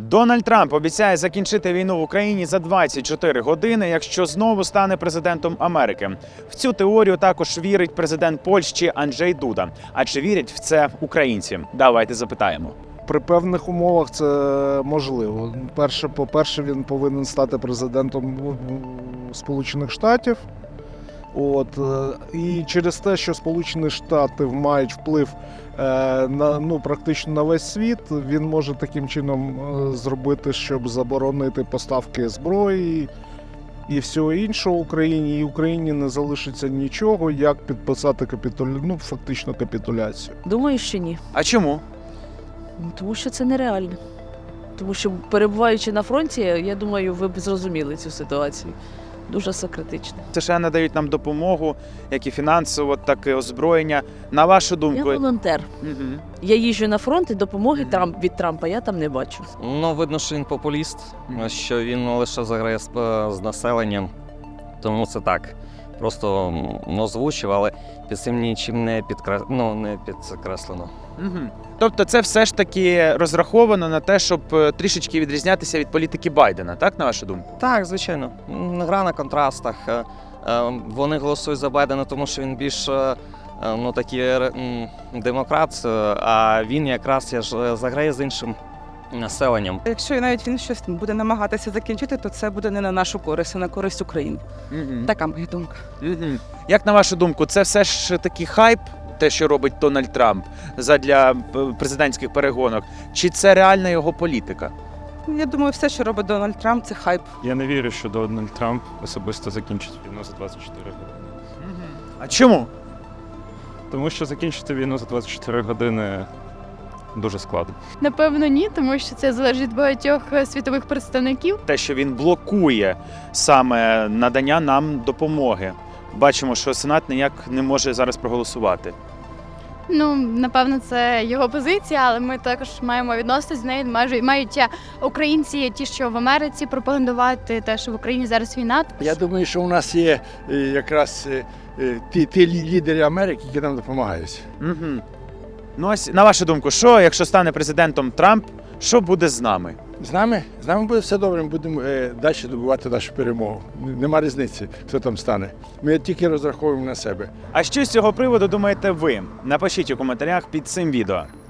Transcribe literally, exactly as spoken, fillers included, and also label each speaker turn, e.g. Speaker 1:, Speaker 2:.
Speaker 1: Дональд Трамп обіцяє закінчити війну в Україні за двадцять чотири години, якщо знову стане президентом Америки. В цю теорію також вірить президент Польщі Анджей Дуда. А чи вірять в це українці? Давайте запитаємо.
Speaker 2: При певних умовах це можливо. Перше, по-перше, він повинен стати президентом Сполучених Штатів. От, і через те, що Сполучені Штати мають вплив е, на, ну, практично на весь світ, він може таким чином е, зробити, щоб заборонити поставки зброї і всього іншого Україні. І Україні не залишиться нічого, як підписати капітулю, ну, фактично капітуляцію.
Speaker 3: Думаю, що ні.
Speaker 1: А чому?
Speaker 3: Ну, тому що це нереально. Тому що, перебуваючи на фронті, я думаю, ви б зрозуміли цю ситуацію. Дуже все критично.
Speaker 1: США надають нам допомогу, як і фінансово, так і озброєння. На вашу
Speaker 3: Я
Speaker 1: думку?
Speaker 3: волонтер.
Speaker 1: Угу.
Speaker 3: Я їжджу на фронт і допомоги
Speaker 1: Мгм.
Speaker 3: Трамп, від Трампа я там не бачу.
Speaker 4: Ну, видно, що він популіст,
Speaker 1: Мгм.
Speaker 4: що він лише заграє з, з населенням. Тому це так. Просто м, озвучив, але під цим нічим не, підкрес... ну, не підкреслено.
Speaker 1: Угу. Тобто це все ж таки розраховано на те, щоб е, трішечки відрізнятися від політики Байдена, так, на вашу думку?
Speaker 4: Так, звичайно. М, Гра на контрастах. Е, е, Вони голосують за Байдена, тому що він більш е, е, ну, такий ре- м, демократ, е, а він якраз я ж, е, заграє з іншим населенням.
Speaker 5: Якщо навіть він щось буде намагатися закінчити, то це буде не на нашу користь, а на користь України.
Speaker 1: Угу.
Speaker 5: Така моя думка.
Speaker 1: Угу. Як на вашу думку, це все ж таки хайп, те, що робить Дональд Трамп задля е, президентських перегонок, чи це реальна його політика?
Speaker 5: Я думаю, все, що робить Дональд Трамп, це хайп.
Speaker 6: Я не вірю, що Дональд Трамп особисто закінчить війну за двадцять чотири години.
Speaker 1: А чому?
Speaker 6: Тому що закінчити війну за двадцять чотири години дуже складно.
Speaker 7: Напевно, ні, тому що це залежить від багатьох е, світових представників.
Speaker 1: Те, що він блокує саме надання нам допомоги. Бачимо, що Сенат ніяк не може зараз проголосувати.
Speaker 7: Ну, напевно, це його позиція, але ми також маємо відноситись з нею. Майже мають е, українці, ті, що в Америці, пропагандувати те, що в Україні зараз війна.
Speaker 8: Я думаю, що у нас є е, якраз е, е, ті, ті лі- лідери Америки, які нам допомагають.
Speaker 1: Угу. Ну, ось, на вашу думку, що, якщо стане президентом Трамп, що буде з нами?
Speaker 8: З нами, з нами буде все добре, ми будемо е, далі добувати нашу перемогу. Н- Нема різниці, хто там стане. Ми тільки розраховуємо на себе.
Speaker 1: А що з цього приводу думаєте ви? Напишіть у коментарях під цим відео.